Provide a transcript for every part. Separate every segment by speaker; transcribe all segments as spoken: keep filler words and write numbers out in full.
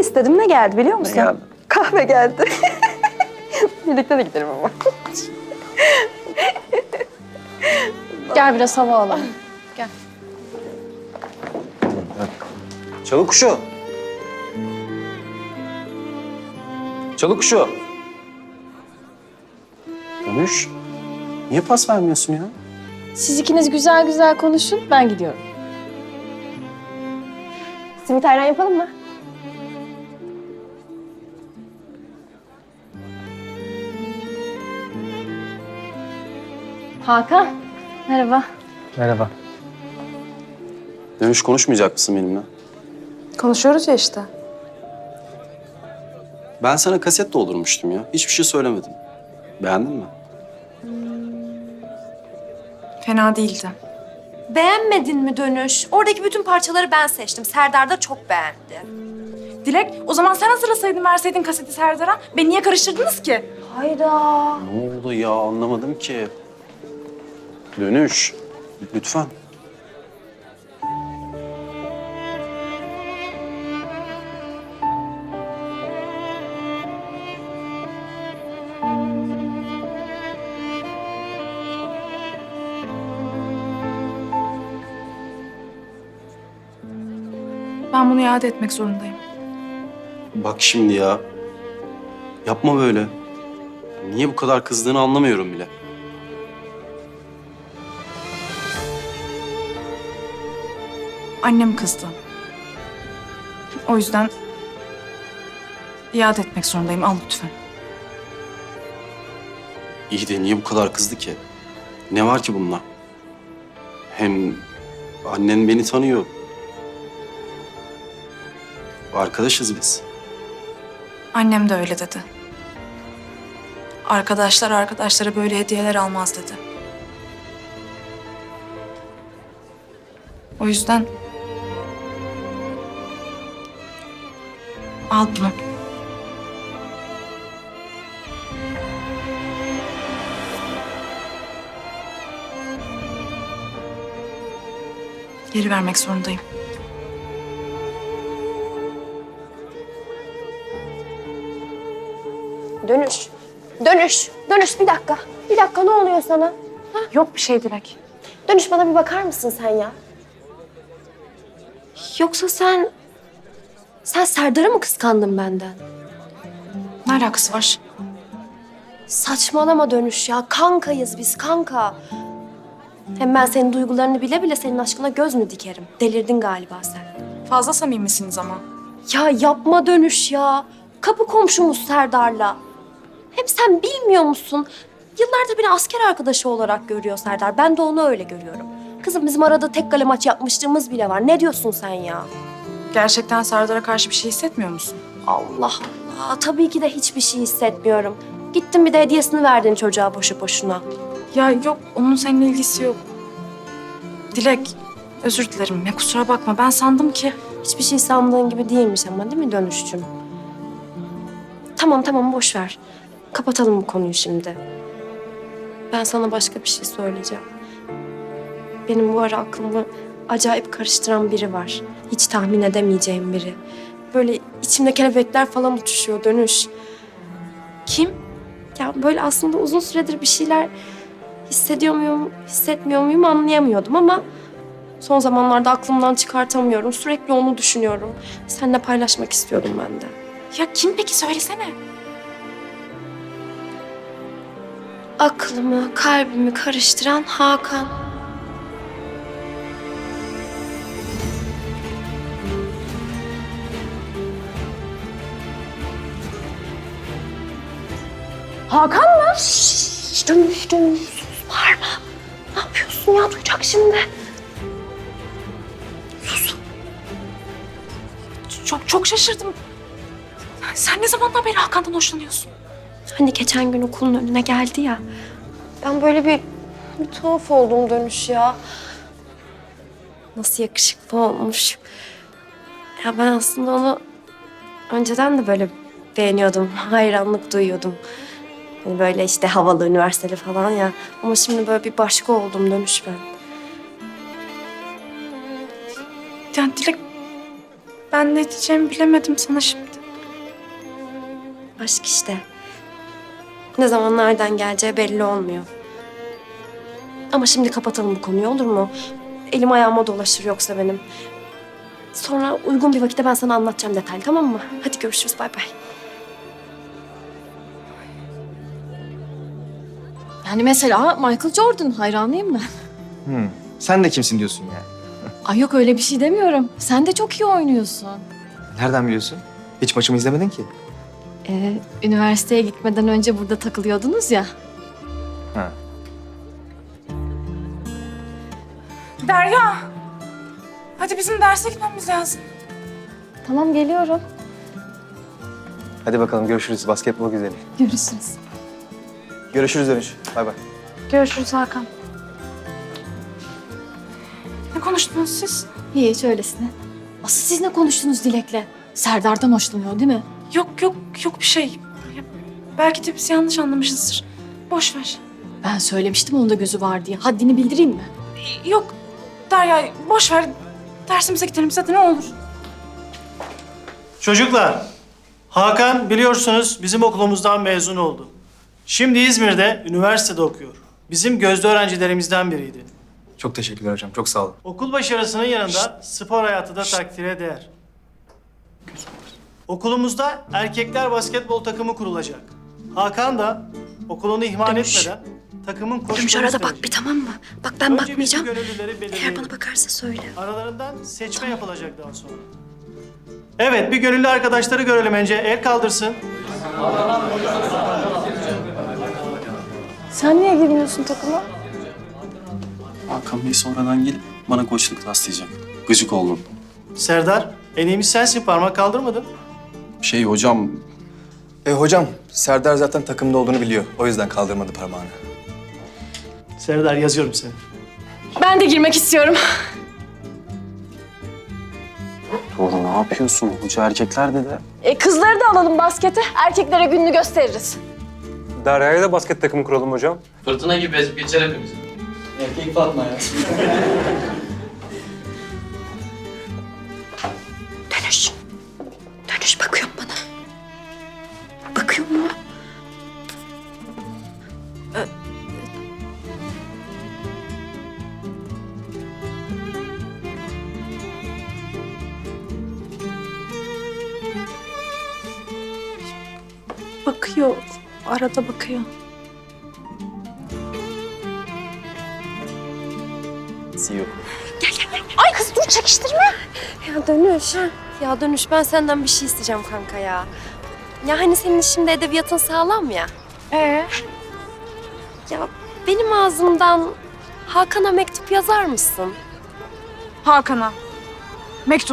Speaker 1: istedim. Ne geldi biliyor musun?
Speaker 2: Ne geldi?
Speaker 1: Kahve geldi. Birlikte de gidelim ama.
Speaker 3: Gel biraz hava alalım. Gel.
Speaker 2: Çalı kuşu. Çalı kuşu. Dönüş. Niye pas vermiyorsun ya?
Speaker 3: Siz ikiniz güzel güzel konuşun, ben gidiyorum.
Speaker 1: Simit ayran yapalım mı?
Speaker 3: Hakan, merhaba.
Speaker 4: Merhaba.
Speaker 2: Dönüş konuşmayacak mısın benimle?
Speaker 1: Konuşuyoruz ya işte.
Speaker 2: Ben sana kaset doldurmuştum ya. Hiçbir şey söylemedim. Beğendin mi?
Speaker 5: Fena değildi.
Speaker 6: Beğenmedin mi Dönüş? Oradaki bütün parçaları ben seçtim. Serdar da çok beğendi.
Speaker 5: Dilek, o zaman sen hazırlasaydın, verseydin kaseti Serdar'a. Beni niye karıştırdınız ki?
Speaker 6: Hayda.
Speaker 2: Ne oldu ya? Anlamadım ki. Dönüş. Lütfen.
Speaker 5: Ben bunu iade etmek zorundayım.
Speaker 2: Bak şimdi ya. Yapma böyle. Niye bu kadar kızdığını anlamıyorum bile.
Speaker 5: Annem kızdı. O yüzden iade etmek zorundayım. Al lütfen.
Speaker 2: İyi de niye bu kadar kızdı ki? Ne var ki bunda? Hem annen beni tanıyor. Arkadaşız biz.
Speaker 5: Annem de öyle dedi. Arkadaşlar arkadaşlara böyle hediyeler almaz dedi. O yüzden al bunu. Geri vermek zorundayım.
Speaker 6: Dönüş. Dönüş. Dönüş bir dakika. Bir dakika ne oluyor sana?
Speaker 5: Yok bir şey Dilek.
Speaker 6: Dönüş bana bir bakar mısın sen ya? Yoksa sen... Sen Serdar'ı mı kıskandın benden?
Speaker 5: Ne alakası var?
Speaker 6: Saçmalama Dönüş ya. Kankayız biz kanka. Hem ben senin duygularını bile bile senin aşkına göz mü dikerim? Delirdin galiba sen.
Speaker 5: Fazla samimisiniz ama.
Speaker 6: Ya yapma Dönüş ya. Kapı komşumuz Serdar'la. Hem sen bilmiyor musun? Yıllardır beni asker arkadaşı olarak görüyor Serdar. Ben de onu öyle görüyorum. Kızım bizim arada tek kale maç yapmışlığımız bile var. Ne diyorsun sen ya?
Speaker 5: Gerçekten Serdar'a karşı bir şey hissetmiyor musun?
Speaker 6: Allah Allah. Tabii ki de hiçbir şey hissetmiyorum. Gittin bir de hediyesini verdin çocuğa boşu boşuna.
Speaker 5: Ya yok, onun seninle ilgisi yok. Dilek, özür dilerim ya kusura bakma. Ben sandım ki...
Speaker 6: Hiçbir şey sandığın gibi değilmiş ama değil mi Dönüşçüm? Tamam tamam boş ver. Kapatalım bu konuyu şimdi. Ben sana başka bir şey söyleyeceğim. Benim bu ara aklımı acayip karıştıran biri var. Hiç tahmin edemeyeceğim biri. Böyle içimde kelebekler falan uçuşuyor Dönüş.
Speaker 5: Kim?
Speaker 6: Ya böyle aslında uzun süredir bir şeyler hissediyor muyum, hissetmiyor muyum anlayamıyordum ama son zamanlarda aklımdan çıkartamıyorum. Sürekli onu düşünüyorum. Seninle paylaşmak istiyordum ben de.
Speaker 5: Ya kim peki söylesene.
Speaker 6: Aklımı, kalbimi karıştıran Hakan.
Speaker 3: Hakan mı?
Speaker 6: Şşş, Dönüş, Dönüş. Sus, bağırma. Ne yapıyorsun ya? Duyacak şimdi.
Speaker 5: Çok çok şaşırdım. Sen ne zamandan beri Hakan'dan hoşlanıyorsun?
Speaker 6: Hani geçen gün okulun önüne geldi ya. Ben böyle bir, bir tuhaf oldum Dönüş ya. Nasıl yakışıklı olmuş. Ya ben aslında onu önceden de böyle beğeniyordum. Hayranlık duyuyordum. Hani böyle işte havalı, üniversiteli falan ya. Ama şimdi böyle bir başka oldum Dönüş ben.
Speaker 5: Yani Dilek, ben ne diyeceğimi bilemedim sana şimdi.
Speaker 6: Aşk işte. Ne zaman nereden geleceği belli olmuyor. Ama şimdi kapatalım bu konuyu, olur mu? Elim ayağıma dolaşır yoksa benim. Sonra uygun bir vakitte ben sana anlatacağım detaylı, tamam mı? Hadi görüşürüz, bay bay.
Speaker 3: Yani mesela Michael Jordan hayranıyım ben.
Speaker 4: Hmm. Sen de kimsin diyorsun yani?
Speaker 3: Ay yok öyle bir şey demiyorum. Sen de çok iyi oynuyorsun.
Speaker 4: Nereden biliyorsun? Hiç maçımı izlemedin ki.
Speaker 3: Ee, üniversiteye gitmeden önce burada takılıyordunuz ya.
Speaker 4: Ha.
Speaker 5: Derya. Hadi bizim derse gitmemiz lazım.
Speaker 3: Tamam geliyorum.
Speaker 4: Hadi bakalım görüşürüz. Basketbol güzeli.
Speaker 3: Görüşürüz.
Speaker 4: Görüşürüz dönüş. Bay bay.
Speaker 5: Görüşürüz Hakan. Ne konuştunuz siz?
Speaker 3: Hiç öylesine. Asıl siz ne konuştunuz Dilek'le? Serdar'dan hoşlanıyor değil mi?
Speaker 5: Yok yok yok bir şey. Ya, belki de biz yanlış anlamışızdır. Boş ver.
Speaker 3: Ben söylemiştim onda gözü var diye. Haddini bildireyim mi?
Speaker 5: Yok Derya boş ver. Dersimize gidelim zaten ne olur.
Speaker 7: Çocuklar, Hakan biliyorsunuz bizim okulumuzdan mezun oldu. Şimdi İzmir'de üniversitede okuyor. Bizim gözde öğrencilerimizden biriydi.
Speaker 4: Çok teşekkürler hocam. Çok sağ olun.
Speaker 7: Okul başarısının yanında spor hayatı da takdire değer. Okulumuzda erkekler basketbol takımı kurulacak. Hakan da okulunu ihmal
Speaker 6: Dönüş.
Speaker 7: etmeden takımın koçluğunu
Speaker 6: Dönüş arada bak
Speaker 7: üstlenecek.
Speaker 6: bir, tamam mı? Bak ben
Speaker 7: Önce
Speaker 6: bakmayacağım.
Speaker 7: bizim gönüllüleri
Speaker 6: Eğer
Speaker 7: belirleyelim.
Speaker 6: bana bakarsa söyle.
Speaker 7: Aralarından seçme yapılacak daha sonra. Evet, bir gönüllü arkadaşları görelim önce. El kaldırsın.
Speaker 3: Sen niye girmiyorsun takıma?
Speaker 2: Hakan Bey sonradan gelip bana koçluk taslayacak. Gıcık oldum.
Speaker 7: Serdar, en iyimiz sensin. Parmak kaldırmadın.
Speaker 2: Şey hocam,
Speaker 4: E hocam, Serdar zaten takımda olduğunu biliyor. O yüzden kaldırmadı parmağını.
Speaker 7: Serdar, yazıyorum seni.
Speaker 3: Ben de girmek istiyorum.
Speaker 2: doğru ne yapıyorsun? Hoca erkekler dedi.
Speaker 3: E, kızları da alalım baskete. Erkeklere gününü gösteririz.
Speaker 8: Derya'ya da basket takımı kuralım hocam.
Speaker 9: Fırtına gibi ezip geçer hepimizi.
Speaker 7: Erkek Fatma ya.
Speaker 6: Dönüş. Dönüş bakıyor mu bana? Bakıyor mu?
Speaker 5: Bakıyor. Arada bakıyor.
Speaker 2: C E O.
Speaker 6: Ay kız dur çekiştirme. Ya Dönüş. Ya Dönüş ben senden bir şey isteyeceğim kanka ya. Ya hani senin şimdi edebiyatın sağlam ya.
Speaker 5: Ee?
Speaker 6: Ya benim ağzımdan Hakan'a mektup yazar mısın?
Speaker 5: Hakan'a. Mektup.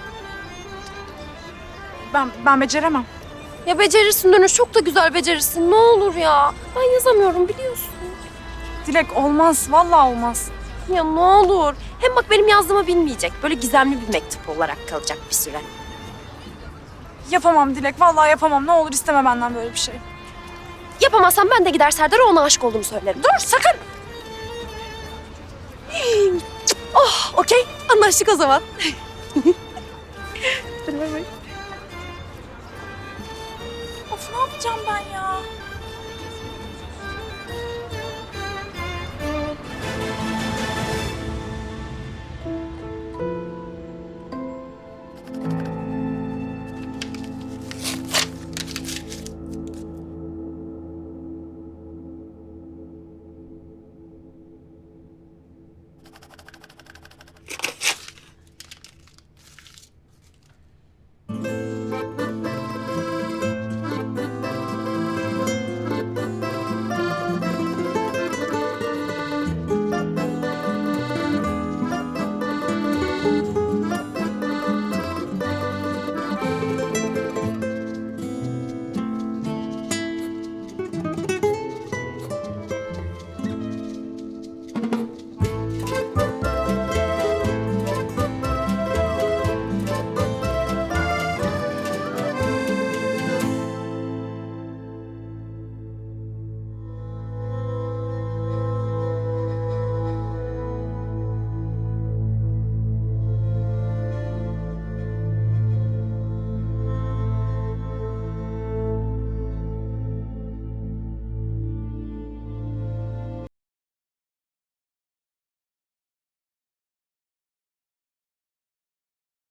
Speaker 5: Ben ben beceremem.
Speaker 6: Ya becerirsin Dönüş, çok da güzel becerirsin. Ne olur ya. Ben yazamıyorum biliyorsun.
Speaker 5: Dilek olmaz. Vallahi olmaz.
Speaker 6: Ya ne olur. Hem bak benim yazdığımı bilmeyecek. Böyle gizemli bir mektup olarak kalacak bir süre.
Speaker 5: Yapamam Dilek. Vallahi yapamam. Ne olur isteme benden böyle bir şey.
Speaker 6: Yapamazsam ben de gider Serdar'a ona aşık olduğumu söylerim.
Speaker 5: Dur sakın.
Speaker 6: Oh okey, anlaştık o zaman.